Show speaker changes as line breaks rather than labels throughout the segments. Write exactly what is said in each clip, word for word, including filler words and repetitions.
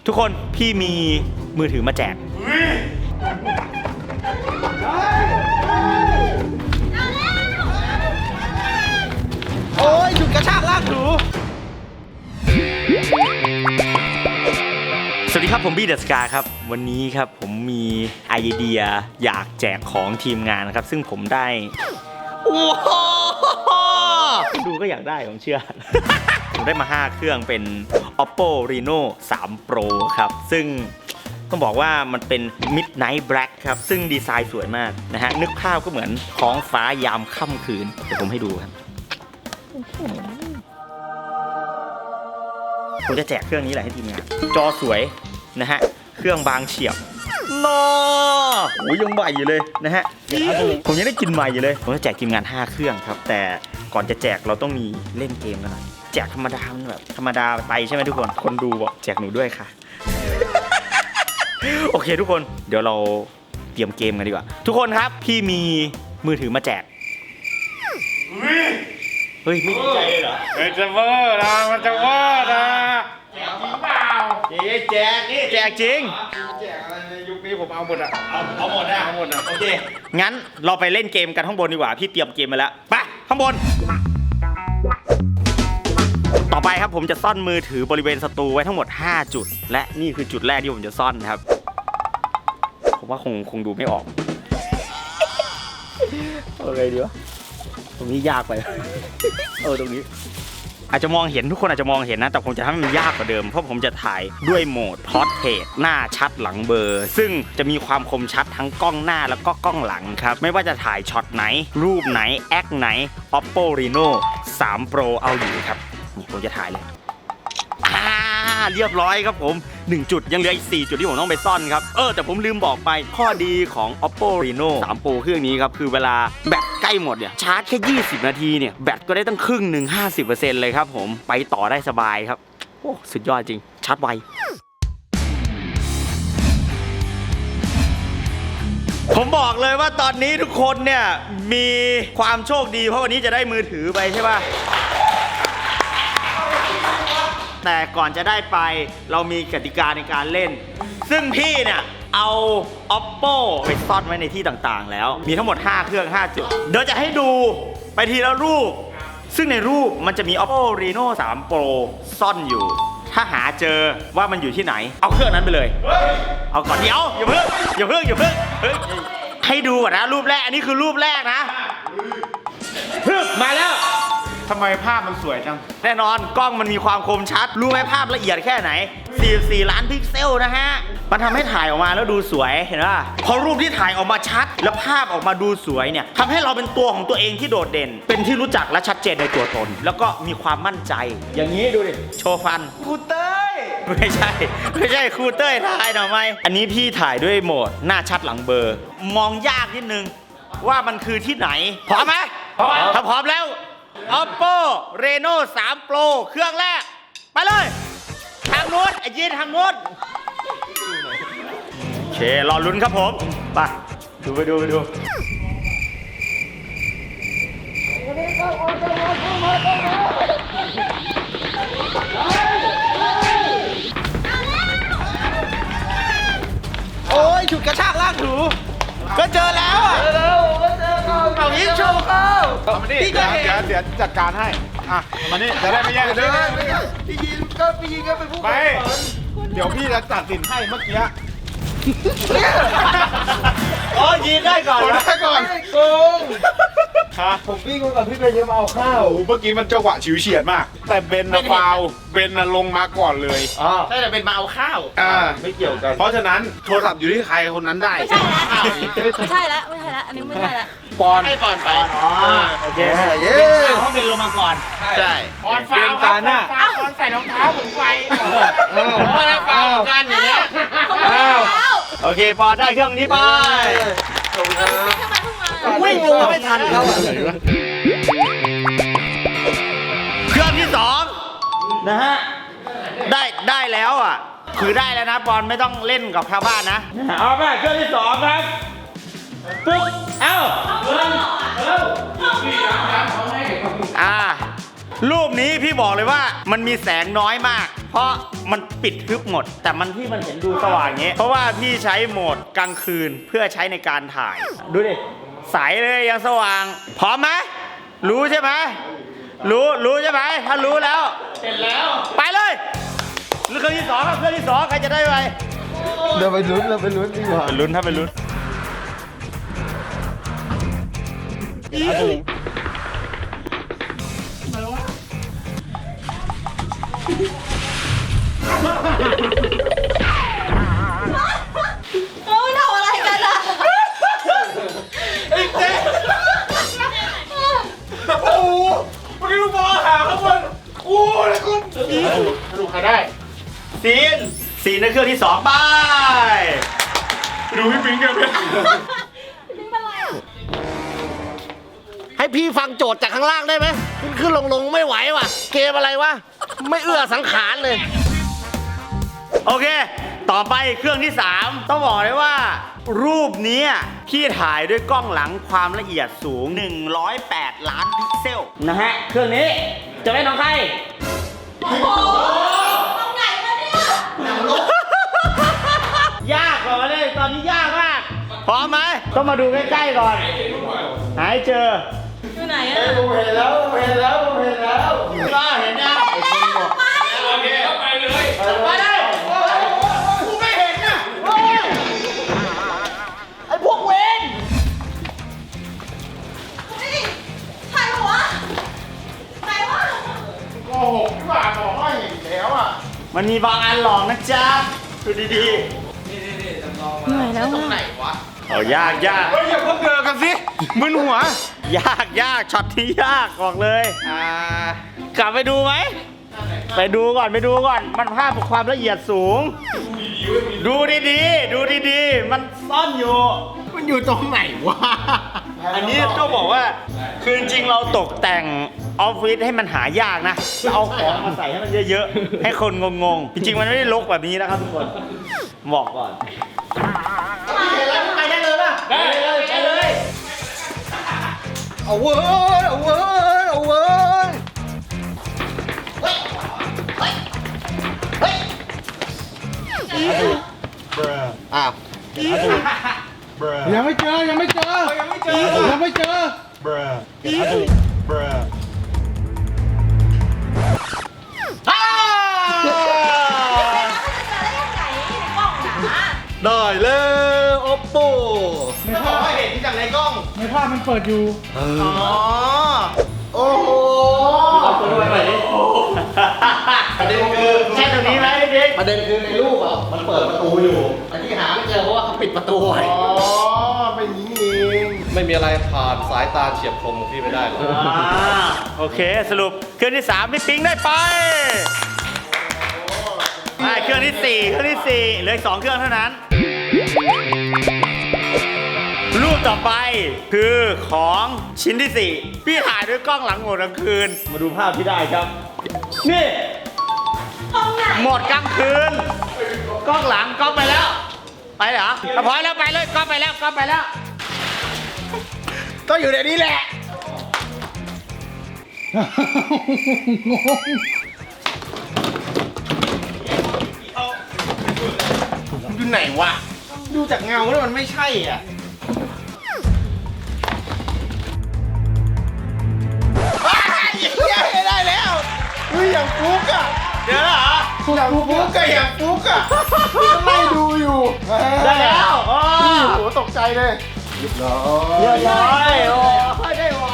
ทุกคนพี่มีมือถือมาแจกโอ้ยฉุดกระชากลากถูสวัสดีครับผมบี้เดอะสกาครับวันนี้ครับผมมีไอเดียอยากแจกของทีมงานนะครับซึ่งผมได้โอ้โหดูก็อยากได้ผมเชื่อ ผมได้มาห้าเครื่องเป็น Oppo Reno สาม Pro ครับซึ่งต้องบอกว่ามันเป็น Midnight Black ครับซึ่งดีไซน์สวยมากนะฮะนึกภาพก็เหมือนท้องฟ้ายามค่ำคืนเดี๋ยวผมให้ดูครับผมจะแจกเครื่องนี้แหละให้ทีมงานจอสวยนะฮะเครื่องบางเฉียบนอโอ้ยยังใหม่อยู่เลยนะฮะผมยังได้กินใหม่อยู่เลยผมจะแจกทีมงานห้าเครื่องครับแต่ก่อนจะแจกเราต้องมีเล่นเกมกันหน่อยแจกธรรมดามันแบบธรรมดาไปใช่ไหมทุกคนคนดูบอกแจกหนูด้วยค่ะ โอเคทุกคนเดี๋ยวเราเตรียมเกมกันดีกว่าทุกคนครับพี่มีมือถือมาแจกเฮ้ยไม่ดีใจเลยเหรอ
มันจะเวอร์นะมันจะเวอร์นะแจกจริงเปล่า
แจกนี่แจกจริง
แจกอะไรในยุคนี้ผมเอาหมดอ่ะ
เอาเอาหมดนะ
เอาหมดอ่ะ
โอเคงั้นเราไปเล่นเกมกันข้างบนดีกว่าพี่เตรียมเกมมาแล้วไปข้างบนต่อไปครับผมจะซ่อนมือถือบริเวณศัตรูไว้ทั้งหมดห้าจุดและนี่คือจุดแรกที่ผมจะซ่อนนะครับผมว่าคงคงดูไม่ออกโอเคดีวะตรงนี้ยากไปเออตรงนี้อาจจะมองเห็นทุกคนอาจจะมองเห็นนะแต่ผมจะทำให้มันยากกว่าเดิมเพราะผมจะถ่ายด้วยโหมด Portrait หน้าชัดหลังเบลอซึ่งจะมีความคมชัดทั้งกล้องหน้าแล้วก็กล้องหลังครับไม่ว่าจะถ่ายช็อตไหนรูปไหนแอคไหน Oppo Reno สาม Pro เอาอยู่ครับนี่ผมจะถ่ายเลยอ่าเรียบร้อยครับผมหนึ่งจุดยังเหลืออีกสี่จุดที่ผมต้องไปซ่อนครับเออแต่ผมลืมบอกไปข้อดีของ Oppo Reno สาม Pro เครื่องนี้ครับคือเวลาแบตใกล้หมดเนี่ยชาร์จแค่ยี่สิบนาทีเนี่ยแบตก็ได้ตั้งครึ่งหนึ่ง ห้าสิบเปอร์เซ็นต์ เลยครับผมไปต่อได้สบายครับโอ้สุดยอดจริงชาร์จไวผมบอกเลยว่าตอนนี้ทุกคนเนี่ยมีความโชคดีเพราะวันนี้จะได้มือถือไปใช่ป่ะแต่ก่อนจะได้ไปเรามีกติกาในการเล่นซึ่งพี่เนี่ยเอา Oppo ไปซ่อนไว้ในที่ต่างๆแล้วมีทั้งหมดห้าเครื่องห้าจุดเดี๋ยวจะให้ดูไปทีละรูปซึ่งในรูปมันจะมี Oppo Reno สาม Pro ซ่อนอยู่ถ้าหาเจอว่ามันอยู่ที่ไหนเอาเครื่องนั้นไปเลยเอาก่อนเดี๋ยวอย่าเพิ่งอย่าเพิ่งอย่าเพิ่งให้ดูก่อนนะรูปแรกอันนี้คือรูปแรกนะมาแล้ว
ทำไมภาพมันสวยจัง
แน่นอนกล้องมันมีความคมชัดรู้ไหมภาพละเอียดแค่ไหนสี่สิบสี่ล้านพิกเซลนะฮะมันทำให้ถ่ายออกมาแล้วดูสวยเห็นป่ะพอรูปที่ถ่ายออกมาชัดแล้วภาพออกมาดูสวยเนี่ยทำให้เราเป็นตัวของตัวเองที่โดดเด่นเป็นที่รู้จักและชัดเจนในตัวตนแล้วก็มีความมั่นใจอย่างนี้ดูดิโชว์ฟันครูเต้ยไม่ใช่ไม่ใช่ครูเต้ยถ่ายหน่อยไหมอันนี้พี่ถ่ายด้วยโหมดหน้าชัดหลังเบลอมองยากนิดนึงว่ามันคือที่ไหนพร้อมไหมถ้าพร้อมแล้ว Oppo Reno สาม Pro เครื่องแรกไปเลยทางนู้นไอ้ยีนทางนู้นโอเครอลุ้นครับผมไปดูไปดูไปดูโอ้ยฉุดกระชากลากถูก็เจอแล้วอ่ะเจอแล้วก็เจอเขาเอายิงโชว์เขา
พี่ก็เดี๋ยวเดี๋ยวจัดการให้อ่ะมานี่จะได้ไม่แย่งเลย
พี่ยินก็พี่ยินก็เป็นผู้
ไปเดี๋ยวพี่จะตัดสินให้เมื่อกี้
โอ้ยิงได้ก่อน
ได้ก่อน
โกงผมวิ่งก่อนพี่เบนจะมาเอาข้าว
เมื่อกี้มันจังหวะฉิวเฉียดมากแต่เบนนะฟาวเบนนะลงมาก่อนเลย
ใช่แต่เป็นมาเอาข้าว
อ่า
ไม่เกี่ยวกัน
เพราะฉะนั้นโทรศัพท์อยู่ที่ใครคนนั้นได้
ไม่ใช่แล้วไม่ใช่แล้วอันนี้ไม่ใช่แล้ว
ปอน
ให้ปอนไป
อ๋อ
โอเคเย้เขาเป็นลงมาก่อน
ใช่
ปอนฟาวตาหน้าปอนใส่รองเท้าผมไปปอนฟาวกันอย่างเงี้ยโอเคปอนได้เครื่องนี้ไปวิ่งลงมาไม่ทันเขาอ่ะเครื่องที่สองนะฮะได้ได้แล้วอ่ะคือได้แล้วนะบอลไม่ต้องเล่นกับชาวบ้านนะเอาไปเครื่องที่สองครับปึ๊บเอ้าอ่ารูปนี้พี่บอกเลยว่ามันมีแสงน้อยมากเพราะมันปิดทึบหมด แต่มันที่มันเห็นดูสว่างอย่างเงี้ยเพราะว่าพี่ใช้โหมดกลางคืนเพื่อใช้ในการถ่าย ดูดิใสเลยยังสว่าง พร้อมไหมรู้ใช่ไหมรู้รู้ใช่ไหมถ้ารู้แล้วเสร็จแล้วไปเลยเครื่องที่สองครับเครื่องที่สองใครจะได้ไป
เดี๋ยวไปลุ้นเราไปลุ้นดีกว่า
เป็นลุ้นถ้าเป็นลุ้น
เราไม่ทำอะไรกันอะ
ไอ้เจ๊โอ้โหเมื่อกี้ลูกบอลหาข้างบนโอ้ยแล้วคุณสรุปใครได้
ซีนซีนในเครื่องที่สองไป
ดูพี่ปิ๊งกันเลย
นี่เป็นไรอะ
ให้พี่ฟังโจทย์จากข้างล่างได้ไหมขึ้นขึ้นลงลงไม่ไหวว่ะ เกมอะไรวะ ไม่เอื้อสังขารเลย
โอเค ต่อไปเครื่องที่สามต้องบอกเลยว่า รูปนี้พี่ถ่ายด้วยกล้องหลังความละเอียดสูงหนึ่งร้อยแปดล้านพิกเซลนะฮะเครื่องนี้จะเป็นของใคร
โอ้โหตรงไหนวะเนี่ย
ยากกว่ามาเลยตอนนี้ยากมากพร้อมไหมต้องมาดูใกล้ๆก่อนหายเจอ
อยู่ไหนอะ
ผมเห็นแล้วผมเห็นแล้วผมเห็นแล้ว
ก็เห็นยัง
โอเคไปเลย
ไปเลยกูไม่เห็นนะไอ้พวกเวน
เฮ้ยใครวะใครวะ
โกหกที่ว่าบอกว่าเห็นแล้วอ่ะ
มันมีบางอันหลอกนะจ๊ะดูดี
เหนื่อยแล้ว
ตรงไหน
อะ
วะ
ๆเอายากยาก
เฮ้ยอย่าเพิ่งเดินกันสิมึนหัวย
ากยากช็อตที่ยากบอกเลย
อ่าก
ลับไปดูไหมไปดูก่อนไปดูก่อนมันภาพความละเอียดสูง ดูดีๆดูดีๆมันซ่อนอยู่
มันอยู่ตรงไหนวะ
อันนี้ต้องบอกว่าคือจริงๆเราตกแต่งออฟฟิศให้มันหายากนะเอาของมาใส่ให้มันเยอะๆให้คนงงๆจริงๆมันไม่ได้รกแบบนี้นะครับทุกคนบอกก่อนไปได้เลยป่ะไปเลยไปเลย
เอาเว้ยเอาเว้ยเอาเว้ยอ้าว
ยังไม่เจอยังไม่เจอยังไม่เจอยังไม่เจอ
อ้าว
ได้เลยโอปโป
ไม่บอกว่าเห็นจากในกล้อง
ในภาพมันเปิดอยู่
อ๋อ
โอ้โห
เอาตัวด้วยไปดิประเด็นคือใช่ตรงนี้ไหมพี่บิ๊ก
ประเด็นคือในรูปอ่ะมันเปิดประตูอยู่แต่ที่หาไม่เจอเพราะว่าเขาปิดประตูไว้
อ๋อเป็นอย่างนี้เอง
ไม่มีอะไรผ่านสายตาเฉียบคมของพี่ไม่ได้หรอก
อ่าโอเคสรุปเครื่องที่สามพี่ปิ๊งได้ไปอ่าเครื่องที่สี่เครื่องที่สี่เหลืออีกสองเครื่องเท่านั้น รูปต่อไปคือของชิ้นที่สี่พี่ถ่ายด้วยกล้องหลังโหมดกลางคืน มาดูภาพที่ได้ครับ นี่
ตรงไหน
โหมดกลางคืน กล้องหลังกล้องไปแล้ว ไปเหรออ่ะพอแล้วไปเลยกล้องไปแล้วกล้องไปแล้ว ก็อยู่ในนี้แหละ
อยู่ไหนวะ
ดูจากเงาแล้วมันไม่ใช่อ่ะ
ได้แล้วเฮ้ยอย่างฟุกอ่ะ
เดี๋ยวเหรอ
อย่างฟุกอะอย่างฟุกอะไล่ดูอยู่
ได้แล้วโอ้
พี่โหตกใจเลย
เรียบร้อยโอ้ได้ไว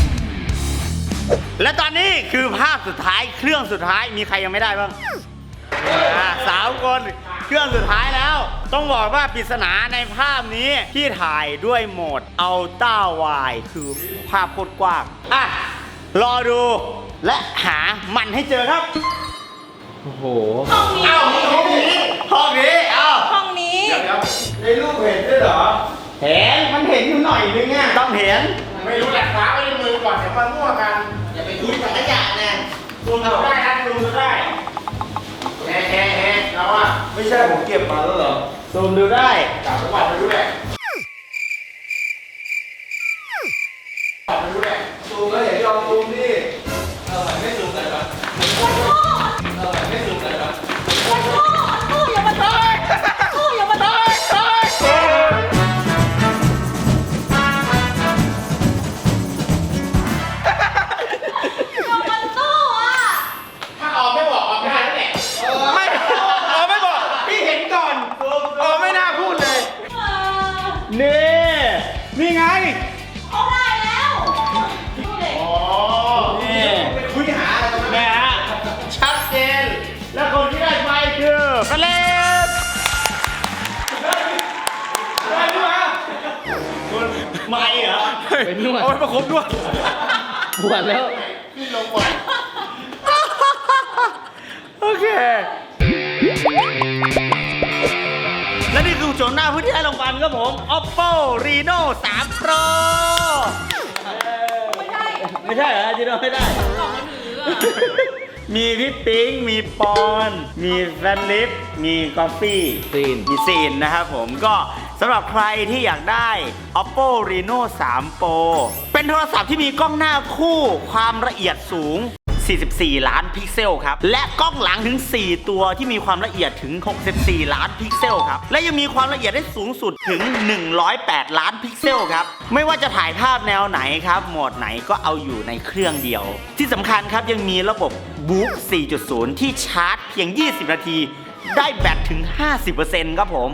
และตอนนี้คือภาพสุดท้ายเครื่องสุดท้ายมีใครยังไม่ได้บ้างอ่าสามคนเครื่องสุดท้ายแล้ว ต้องบอกว่าปริศนาในภาพนี้ที่ถ่ายด้วยโหมด Ultra Wide คือภาพโคตรกว้างอ่ะรอดูและหามันให้เจอครับ
โอ้โห
ห้องนี้
เอ้าห้องนี้ห้องนี้เอ้า
ห้องนี้
ในรูปเห็นด้วยเหรอ เห็น มันเห็นอยู่หน่อยนึงอ่ะต้องเห็น
ไม่รู้แหละฟ้าไว้ในมือก่อนเดี๋ยวมามั่วกัน
อย่าไปคิดสังขยะนะซูมดูได้นะซูมดูได้
แฮ่แฮ่แฮ่เราอะ
ไม่ใช่ผมเก็บมาแล้วเหรอ
ซูมดูได้
กลับไปก่อนไม่รู้แหละกลับไม่รู้แหละ
ซูมแล้วเห็นยอมซูมดิเออไม่ซูมไหนวะเออไม่ซูมไหนวะ
นี่ นี่ไง
เขาได้แล้วดูเด็ก
นี่คุยหาอะไรกันนะฮะชัดเจน และคนที่ได้ไปคือเฟลิปได้ด้วยมาคุณไม่เหรอ
เป็นนวด
เอาไปประคบด้วย
ปวดแล้ว
โอเค และนี่คือโฉมหน้าผู้ที่ได้รางวัลครับผม Oppo Reno สาม Pro
ไม่ใช่
ไม่ใช่เหรอจีโน่ไม่ได้
กล่องมือถืออะ
มีพี่ปิ๊ง มีปอน มีแฟนลิฟ มีกอฟฟี่
ซีน
มีซีนนะครับผมก็สำหรับใครที่อยากได้ Oppo Reno สาม Pro เป็นโทรศัพท์ที่มีกล้องหน้าคู่ความละเอียดสูง สี่สิบสี่ ล้านพิกเซลครับ และกล้องหลังถึง สี่ ตัวที่มีความละเอียดถึง หกสิบสี่ ล้านพิกเซลครับ และยังมีความละเอียดได้สูงสุดถึง หนึ่งร้อยแปด ล้านพิกเซลครับ ไม่ว่าจะถ่ายภาพแนวไหนครับ โหมดไหนก็เอาอยู่ในเครื่องเดียว ที่สำคัญครับยังมีระบบ Book สี่จุดศูนย์ ที่ชาร์จเพียง ยี่สิบ นาที ได้แบตถึง ห้าสิบเปอร์เซ็นต์ ครับผม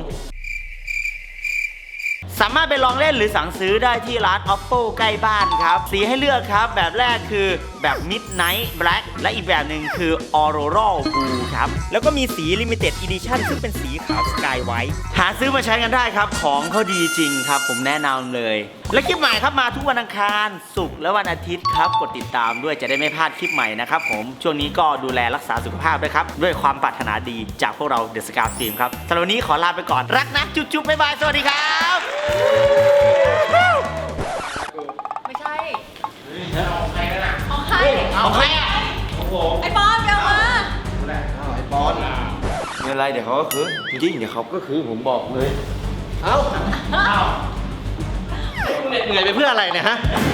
สามารถไปลองเล่นหรือสั่งซื้อได้ที่ร้าน Oppo ใกล้บ้านครับ สีให้เลือกครับแบบแรกคือแบบ Midnight Black และอีกแบบหนึ่งคือ Auroral Blue ครับ แล้วก็มีสี Limited Edition ซึ่งเป็นสีขาว Sky White หาซื้อมาใช้กันได้ครับ ของเขาดีจริงครับ ผมแนะนำเลย และคลิปใหม่ครับมาทุกวันอังคารศุกร์และวันอาทิตย์ครับ กดติดตามด้วยจะได้ไม่พลาดคลิปใหม่นะครับผมช่วงนี้ก็ดูแลรักษาสุขภาพด้วยครับด้วยความปรารถนาดีจากพวกเรา The Scar Team ครับสำหรับวันนี้ขอลาไปก่อนรักนะจุ๊บๆบ๊ายบายสวัสดีครับ
ไม่ใช่ของใคร
ของใครอ่ะ
ไอ้ปอนไปเอามา
ไม่เป็นไรเดี๋ยวเขาก็คือจริงๆเดี๋ยวเขาก็คือผมบอกเลย เอ้า เอ้าเหนื่อยไปเพื่ออะไรเนี่ยฮะ